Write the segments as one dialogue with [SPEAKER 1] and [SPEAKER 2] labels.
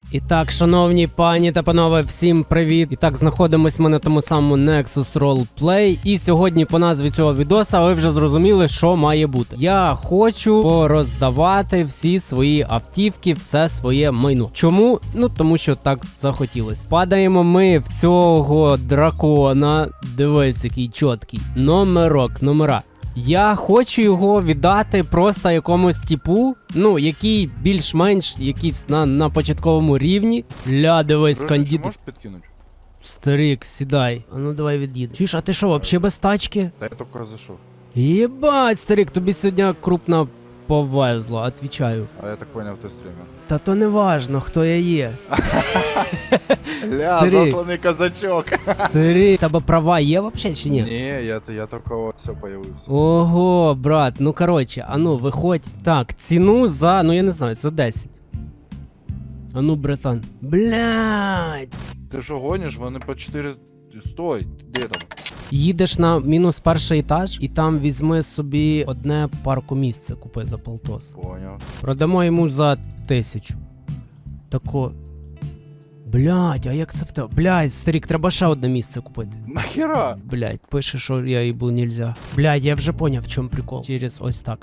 [SPEAKER 1] І так, шановні пані та панове, всім привіт! І так, знаходимось ми на тому самому Nexus Roleplay. І сьогодні по назві цього відоса ви вже зрозуміли, що має бути. Я хочу пороздавати всі свої автівки, все своє майно. Чому? Ну, тому що так захотілось. Падаємо ми в цього дракона. Дивись, який чіткий. Номера. Я хочу його віддати просто якомусь типу, ну, який більш-менш якийсь на початковому рівні. Ля, дивись, кандидат.
[SPEAKER 2] Можеш підкинути?
[SPEAKER 1] Старик, сідай. А ну давай від'їдемо. Чуєш, а ти що, вообще без тачки?
[SPEAKER 2] Та я тільки зайшов.
[SPEAKER 1] Єбать, старик, тобі сьогодні крупно повезло, отвічаю.
[SPEAKER 2] А я так поняв, ти стрімер.
[SPEAKER 1] Та то не важно, хто я є.
[SPEAKER 2] Ля,
[SPEAKER 1] Старик.
[SPEAKER 2] засланий казачок.
[SPEAKER 1] Старик, тебе права є вообще чи ні?
[SPEAKER 2] Ні, я тільки все появився.
[SPEAKER 1] Ого, брат, ну короче, а ну виходь. Так, ціну за, ну я не знаю, за 10. А ну, братан. Блядь.
[SPEAKER 2] Ти що гониш? Вони по 4... Стой, де там?
[SPEAKER 1] Їдеш на мінус перший етаж і там візьми собі одне паркомісце, купи за полтос.
[SPEAKER 2] Поняв.
[SPEAKER 1] Продамо йому за 1000. Тако. Блядь, а як це в тебе? Блядь, старик, треба ще одне місце купити.
[SPEAKER 2] Нахера?
[SPEAKER 1] Блядь, пише, що я їбу нельзя. Блядь, я вже поняв, в чому прикол. Через ось так.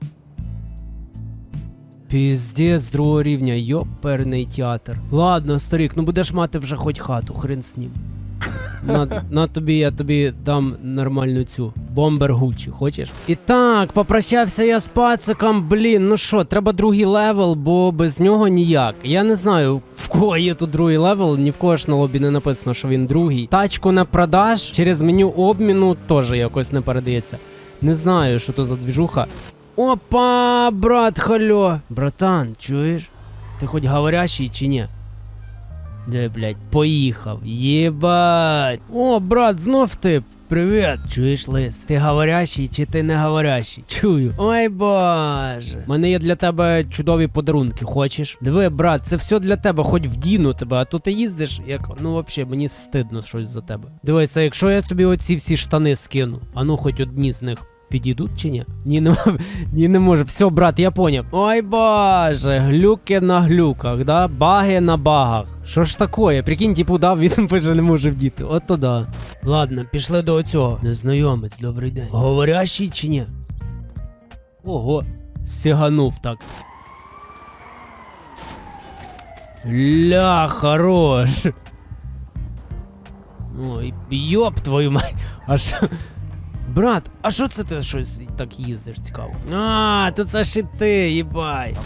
[SPEAKER 1] Піздець другого рівня, йоперний театр. Ладно, старик, ну будеш мати вже хоч хату, хрен з ним. На тобі, я тобі дам нормальну цю бомбер Гуччі, хочеш? І так, попрощався я з пациком, блін, ну що, треба другий левел, бо без нього ніяк. Я не знаю, в кого є тут другий левел, ні в кого ж на лобі не написано, що він другий. Тачку на продаж через меню обміну теж якось не передається. Не знаю, що то за двіжуха. Опа, брат, хальо. Братан, чуєш? Ти хоч говорящий чи ні? Де, блядь, поїхав. Єбать. О, брат, знов ти. Привіт. Чуєш, лис? Ти говорящий чи ти не говорящий? Чую. Ой, боже. У мене є для тебе чудові подарунки, хочеш? Диви, брат, це все для тебе, хоч вдіну тебе, а то ти їздиш, як, ну, вообще, мені стидно щось за тебе. Дивися, якщо я тобі оці всі штани скину, а ну, хоч одні з них підійдуть чи ні? Ні, не може. Все, брат, я поняв. Ой, боже, глюки на глюках, да? Баги на багах. Що ж такое? Прикинь, типу, дав, він пише не може вдіти. От то да. Ладно, пішли до оцього. Незнайомець, добрий день. Говорящий чи ні? Ого, сіганув так. Ля, хорош. Ой, йоп твою мать. Аж... Брат, а що це ти щось так їздиш, цікаво? А, то це ж і ти, їбай.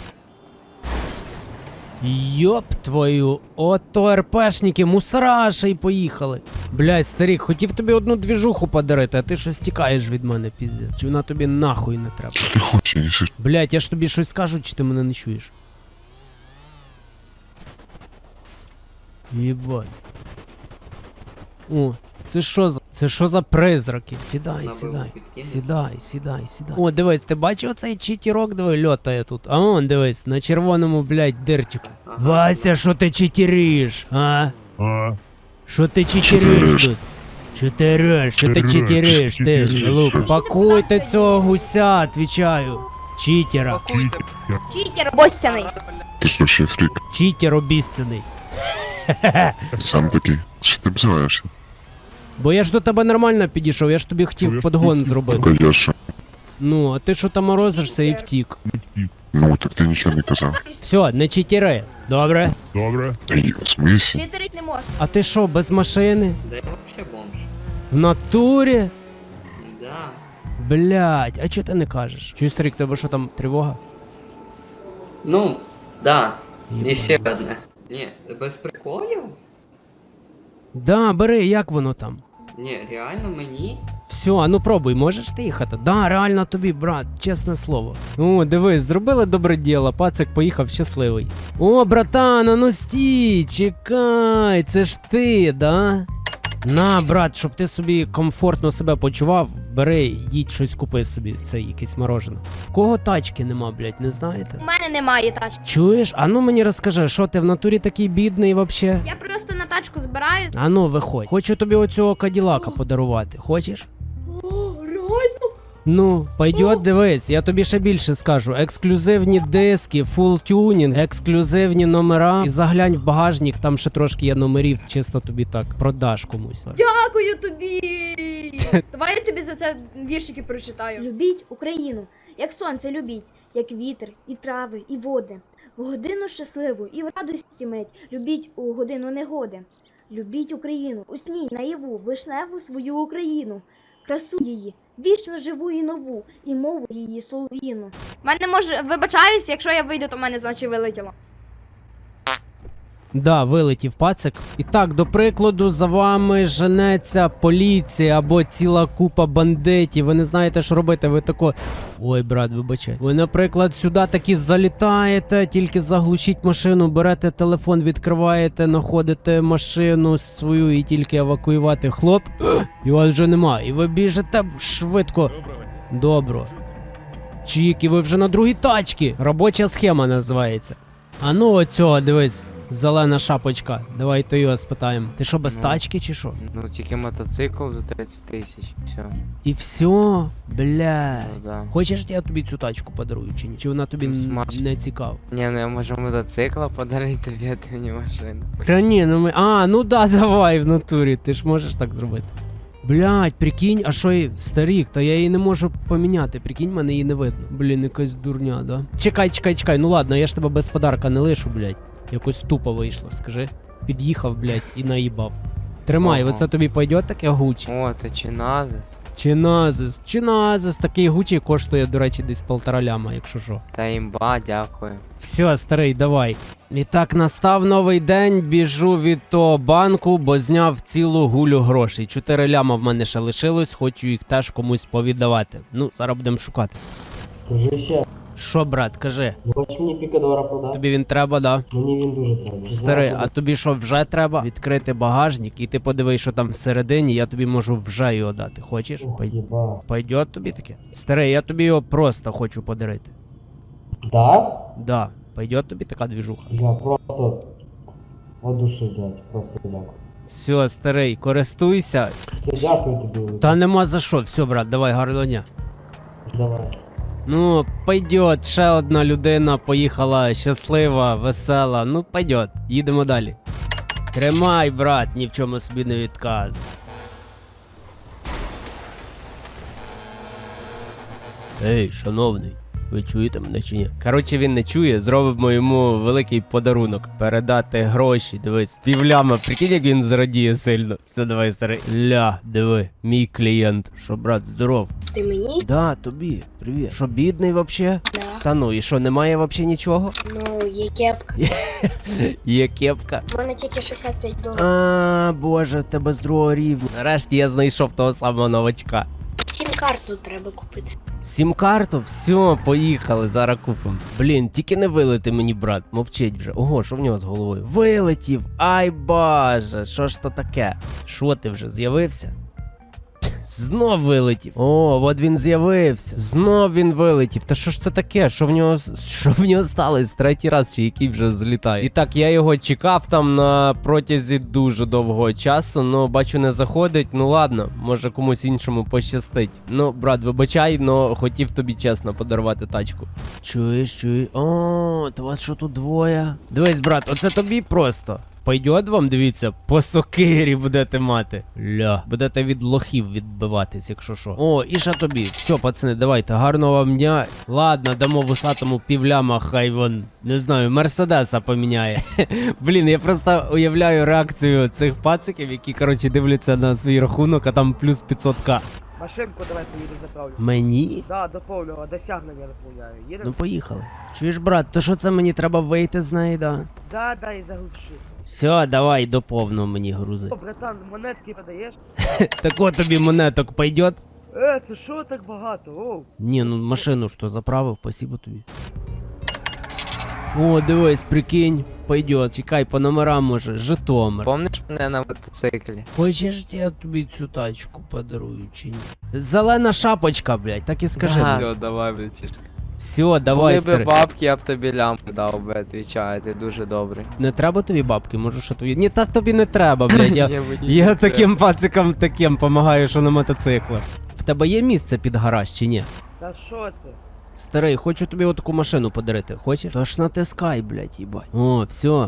[SPEAKER 1] Йоп твою, ото РПшники, мусора ще й поїхали. Блядь, старик, хотів тобі одну двіжуху подарити, а ти щось тікаєш від мене, піздець. Чи вона тобі нахуй не треба?
[SPEAKER 3] Що ти хочеш?
[SPEAKER 1] Блядь, я ж тобі щось скажу, чи ти мене не чуєш? Єбать. О, це що за призраки? Сідай. О, дивись, ти бачив оцей читерок, диви, льотає тут. А он, дивись, на червоному, блядь, дирчику. Вася, що ти читериш, а? Що ти читериш тут? Що ти читериш, ти, лук? Пакуйте цього гуся, відвічаю. Читера.
[SPEAKER 4] Читер обіцяний.
[SPEAKER 3] Ти ж вообще фрік.
[SPEAKER 1] Читер обіцяний.
[SPEAKER 3] Сам такий. Що ти бзиваєшся?
[SPEAKER 1] Бо я ж до тебе нормально підійшов, я ж тобі хотів подгон зробити.
[SPEAKER 3] Та я що?
[SPEAKER 1] Ну, а ти що там морозишся і втік.
[SPEAKER 3] Ну, так ти нічого не казав.
[SPEAKER 1] Все, не читери. Добре?
[SPEAKER 3] Та й в смислі?
[SPEAKER 4] Читерить не можна.
[SPEAKER 1] А ти що, без машини?
[SPEAKER 5] Да я вообще бомж.
[SPEAKER 1] В натурі?
[SPEAKER 5] Да.
[SPEAKER 1] Блядь, а чого ти не кажеш? Чуєш, старик, тебе що там тривога?
[SPEAKER 5] Ну, да.
[SPEAKER 1] Єбать.
[SPEAKER 5] І ще одне. Ні, без приколів?
[SPEAKER 1] Да, бери, як воно там?
[SPEAKER 5] Ні, реально мені?
[SPEAKER 1] Все, а ну пробуй, можеш ти їхати? Да, реально тобі, брат, чесне слово. О, дивись, зробили добре діло, пацик поїхав щасливий. О, братан, а ну стій, чекай, це ж ти, да? На, брат, щоб ти собі комфортно себе почував, бери, їдь щось купи собі, це якесь морожене. В кого тачки нема, блядь, не знаєте?
[SPEAKER 4] У мене немає тачки.
[SPEAKER 1] Чуєш? А ну мені розкажи, що ти в натурі такий бідний вообще?
[SPEAKER 4] Я просто на тачку збираю.
[SPEAKER 1] А ну виходь. Хочу тобі оцього каділака подарувати. Хочеш?
[SPEAKER 4] О, реально?
[SPEAKER 1] Ну, пойдет, дивись, я тобі ще більше скажу. Ексклюзивні диски, фул тюнінг, ексклюзивні номера. І заглянь в багажник, там ще трошки є номерів, чисто тобі так продаш комусь.
[SPEAKER 4] Дякую тобі! Давай я тобі за це віршики прочитаю. Любіть Україну, як сонце любіть, як вітер, і трави, і води. В годину щасливу і в радості мить. Любіть у годину негоди. Любіть Україну, у сні, наяву, вишневу свою Україну. Красу її, вічно живу і нову, і мову її солов'їну. Мене може, вибачаюсь, якщо я вийду, то в мене значить вилетіло.
[SPEAKER 1] Да, вилетів пацик. І так, до прикладу, за вами женеться поліція або ціла купа бандитів. Ви не знаєте, що робити, ви тако... Ой, брат, вибачай. Ви, наприклад, сюди таки залітаєте, тільки заглушіть машину, берете телефон, відкриваєте, знаходите машину свою і тільки евакуювати. Хлоп, і вас вже нема. І ви біжите швидко. Добро. Чік, і ви вже на другій тачці. Робоча схема називається. А ну оцього, дивись. Зелена шапочка. Давайте його спитаємо. Ти що, без тачки чи що?
[SPEAKER 6] Ну, тільки мотоцикл за 30 тисяч. Все.
[SPEAKER 1] І все? Бля.
[SPEAKER 6] Ну, да.
[SPEAKER 1] Хочеш, я тобі цю тачку подарую чи ні? Чи вона тобі не цікава?
[SPEAKER 6] Ні, ну я можу мотоцикла подарити тобі, а ти мені машину.
[SPEAKER 1] Та ні, ну ми... А, ну да, давай в натурі. Ти ж можеш так зробити. Блядь, прикинь, а що їй старік, та я її не можу поміняти, прикинь, мене її не видно. Блін, якась дурня, да? Чекай, ну ладно, я ж тебе без подарка не лишу, блядь. Якось тупо вийшло, скажи. Під'їхав, блядь, і наїбав. Тримай,
[SPEAKER 6] Ага.
[SPEAKER 1] оце тобі пойде таке гучі?
[SPEAKER 6] О, то чиназис.
[SPEAKER 1] Чиназис, такий гучі коштує, до речі, десь 1,5 ляма, якщо що.
[SPEAKER 6] Та імба, дякую.
[SPEAKER 1] Все, старий, давай. І так, настав новий день, біжу від того банку, бо зняв цілу гулю грошей. 4 ляма в мене ще лишилось, хочу їх теж комусь повіддавати. Ну, зараз будемо шукати.
[SPEAKER 7] Дружище,
[SPEAKER 1] Що, брат, кажи,
[SPEAKER 7] хочеш мені пікадора продати?
[SPEAKER 1] тобі він треба, да?
[SPEAKER 7] Мені він дуже треба.
[SPEAKER 1] Старий, а тобі що, вже треба? Відкрити багажник і ти подивись, що там всередині, я тобі можу вже його дати. Хочеш?
[SPEAKER 7] Ух, єба.
[SPEAKER 1] Пойдет тобі таке? Старий, я тобі його просто хочу подарити.
[SPEAKER 7] Да?
[SPEAKER 1] Да, пойдет тобі така двіжуха.
[SPEAKER 7] Я просто от душі, дядь, просто дякую.
[SPEAKER 1] Все, старий, користуйся.
[SPEAKER 7] Все, дякую тобі.
[SPEAKER 1] Та нема за що, все, брат, давай, гарного дня.
[SPEAKER 7] Давай.
[SPEAKER 1] Ну, пойдет, ще одна людина поїхала щаслива, весела. Ну, пойдет, їдемо далі. Тримай, брат, ні в чому собі не відказуй. Ей, шановний, ви чуєте мене чи ні? Коротше, він не чує, зробимо йому великий подарунок. Передати гроші, дивись. Півляма, прикинь, як він зрадіє сильно. Все, давай, старий. Ля, диви, мій клієнт. Що, брат, здоров?
[SPEAKER 8] Ти мені?
[SPEAKER 1] Да, тобі, привіт. Що, бідний вообще?
[SPEAKER 8] Да.
[SPEAKER 1] Та ну, і що, немає вообще нічого?
[SPEAKER 8] Ну, є кепка.
[SPEAKER 1] Є кепка.
[SPEAKER 8] У мене тільки 65 доларів.
[SPEAKER 1] А, боже, в тебе з другого рівня. Нарешті я знайшов того самого новачка.
[SPEAKER 8] Сім-карту треба купити.
[SPEAKER 1] Сім-карту, все, поїхали, зараз купимо. Блін, тільки не вилети мені, брат, мовчить вже. Ого, що в нього з головою? Вилетів, ай боже, що ж то таке? Що ти вже з'явився? Знов вилетів. О, от він з'явився. Знов він вилетів. Та що ж це таке? Що в нього сталося? Третій раз чи який вже злітає. І так, я його чекав там на протязі дуже довгого часу, но бачу, не заходить. Ну ладно, може комусь іншому пощастить. Ну, брат, вибачай, но хотів тобі чесно подарувати тачку. Чуєш? О, то вас що тут двоє? Дивись, брат, оце тобі просто. Пойдет вам, дивіться, по сокирі будете мати. Ля, будете від лохів відбиватись, якщо що. О, і ще тобі. Все, пацани, давайте, гарного вам дня. Ладно, дамо вусатому півляма, хай вон, не знаю, Мерседеса поміняє. Блін, я просто уявляю реакцію цих пациків, які, коротше, дивляться на свій рахунок, а там плюс 500к.
[SPEAKER 9] Машинку давай поїду заправлю.
[SPEAKER 1] Мені?
[SPEAKER 9] Да, до повного досягнення заповняю. Їдемо?
[SPEAKER 1] Ну поїхали. Чуєш, брат, то що це мені треба вийти з неї, да?
[SPEAKER 9] Да, і заглуши.
[SPEAKER 1] Все, давай до повного мені грузи.
[SPEAKER 9] О, братан, монетки подаєш?
[SPEAKER 1] Так от тобі монеток пойдет?
[SPEAKER 9] Це що так багато? Оу.
[SPEAKER 1] Ні, ну машину що заправив, спасибо тобі. О, дивись, прикинь, пойдет. Чекай, по номерам може, Житомир.
[SPEAKER 6] Помниш мене на мотоциклі?
[SPEAKER 1] Хочеш, я тобі цю тачку подарую чи ні? Зелена шапочка, блядь, так і скажи.
[SPEAKER 6] Да.
[SPEAKER 1] Блядь.
[SPEAKER 6] Все, давай, братішка.
[SPEAKER 1] Все, давай,
[SPEAKER 6] Були би
[SPEAKER 1] старий.
[SPEAKER 6] бабки, я б тобі лямку дав би, відвічаю, ти дуже добрий.
[SPEAKER 1] Не треба тобі бабки, можу що тобі. Ні, та тобі не треба, блядь.
[SPEAKER 6] Ні, мені
[SPEAKER 1] Я
[SPEAKER 6] не
[SPEAKER 1] таким пацикам таким помагаю, що на мотоциклах. В тебе є місце під гараж чи ні?
[SPEAKER 9] Та що ти?
[SPEAKER 1] Старий, хочу тобі отаку машину подарити. Хочеш? Тож натискай, блядь, їбать. О, все.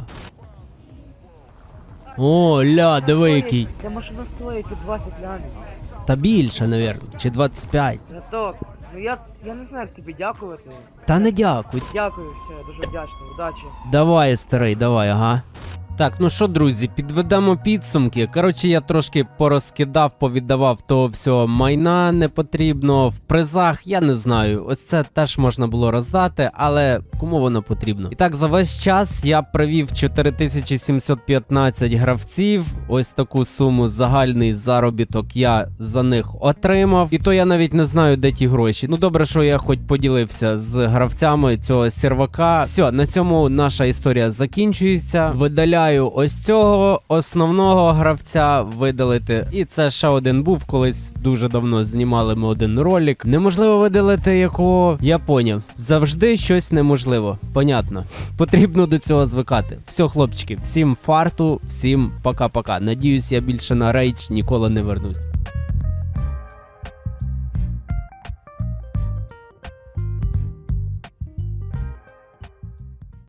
[SPEAKER 1] О, ля, диви який.
[SPEAKER 9] Ця машина стоїть і 20 лямів.
[SPEAKER 1] Та більше, навірно. Чи 25.
[SPEAKER 9] Браток, ну я не знаю, як тобі дякувати.
[SPEAKER 1] Та не дякуй.
[SPEAKER 9] Дякую, все, дуже вдячний, удачі.
[SPEAKER 1] Давай, старий, давай, ага. Так, ну що, друзі, підведемо підсумки. Коротше, я трошки порозкидав, повіддавав того всього майна непотрібного. В призах, я не знаю, ось це теж можна було роздати, але кому воно потрібно? І так, за весь час я привів 4715 гравців. Ось таку суму, загальний заробіток я за них отримав. І то я навіть не знаю, де ті гроші. Ну добре, що я хоч поділився з гравцями цього сервака. Все, на цьому наша історія закінчується. Видаляю ось цього основного гравця видалити. І це ще один був, колись дуже давно знімали ми один ролик. Неможливо видалити якого, я поняв. Завжди щось неможливо. Понятно. Потрібно до цього звикати. Все, хлопчики, всім фарту, всім пока-пока. Надіюсь, я більше на рейдж ніколи не вернусь.